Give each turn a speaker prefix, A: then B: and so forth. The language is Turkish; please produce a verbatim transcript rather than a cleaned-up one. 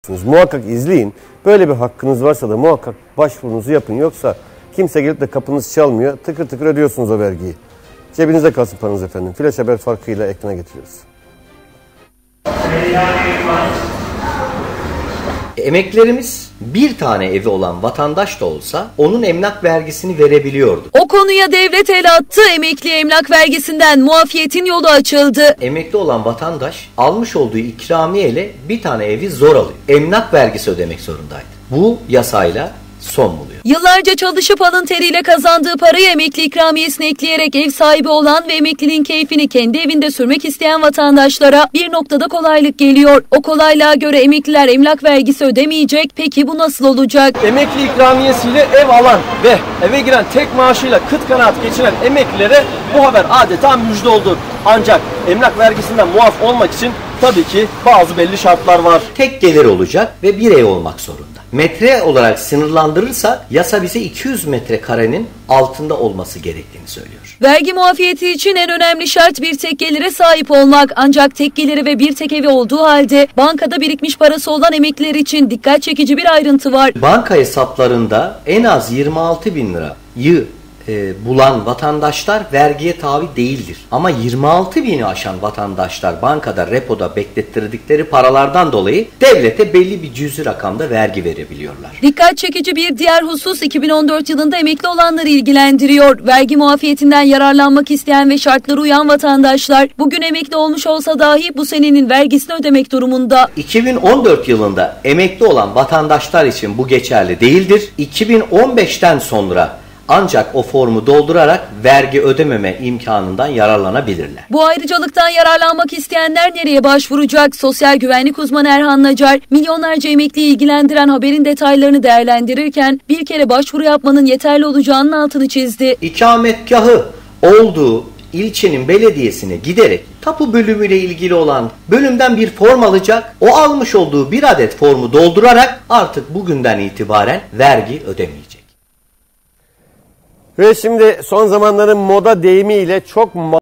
A: Muhakkak izleyin. Böyle bir hakkınız varsa da muhakkak başvurunuzu yapın. Yoksa kimse gelip de kapınız çalmıyor. Tıkır tıkır ödüyorsunuz o vergiyi. Cebinize kalsın paranız efendim. Flash haber farkıyla ekrana getiriyoruz.
B: Emeklilerimiz bir tane evi olan vatandaş da olsa onun emlak vergisini verebiliyordu.
C: O konuya devlet el attı. Emekli emlak vergisinden muafiyetin yolu açıldı.
B: Emekli olan vatandaş almış olduğu ikramiye ile bir tane evi zor alıyor. Emlak vergisi ödemek zorundaydı. Bu yasayla son buluyor.
C: Yıllarca çalışıp alın teriyle kazandığı parayı emekli ikramiyesine ekleyerek ev sahibi olan ve emekliliğin keyfini kendi evinde sürmek isteyen vatandaşlara bir noktada kolaylık geliyor. O kolaylığa göre emekliler emlak vergisi ödemeyecek. Peki bu nasıl olacak?
D: Emekli ikramiyesiyle ev alan ve eve giren tek maaşıyla kıt kanaat geçiren emeklilere bu haber adeta müjde oldu. Ancak emlak vergisinden muaf olmak için tabii ki bazı belli şartlar var.
B: Tek gelir olacak ve bir ev olmak zorunda. Metre olarak sınırlandırırsa yasa bize iki yüz metrekarenin altında olması gerektiğini söylüyor.
C: Vergi muafiyeti için en önemli şart bir tek gelire sahip olmak. Ancak tek geliri ve bir tek evi olduğu halde bankada birikmiş parası olan emekliler için dikkat çekici bir ayrıntı var.
B: Banka hesaplarında en az yirmi altı bin lirayı E, bulan vatandaşlar vergiye tabi değildir. Ama yirmi altı bini aşan vatandaşlar bankada, repoda beklettirdikleri paralardan dolayı devlete belli bir cüzi rakamda vergi verebiliyorlar.
C: Dikkat çekici bir diğer husus iki bin on dört yılında emekli olanları ilgilendiriyor. Vergi muafiyetinden yararlanmak isteyen ve şartlara uyan vatandaşlar bugün emekli olmuş olsa dahi bu senenin vergisini ödemek durumunda.
B: iki bin on dört yılında emekli olan vatandaşlar için bu geçerli değildir. iki bin on beşten sonra ancak o formu doldurarak vergi ödememe imkanından yararlanabilirler.
C: Bu ayrıcalıktan yararlanmak isteyenler nereye başvuracak? Sosyal güvenlik uzmanı Erhan Nacar, milyonlarca emekliyi ilgilendiren haberin detaylarını değerlendirirken bir kere başvuru yapmanın yeterli olacağının altını çizdi.
B: İkametgahı olduğu ilçenin belediyesine giderek tapu bölümüyle ilgili olan bölümden bir form alacak. O almış olduğu bir adet formu doldurarak artık bugünden itibaren vergi ödemeyecek.
A: Ve şimdi son zamanların moda deyimiyle çok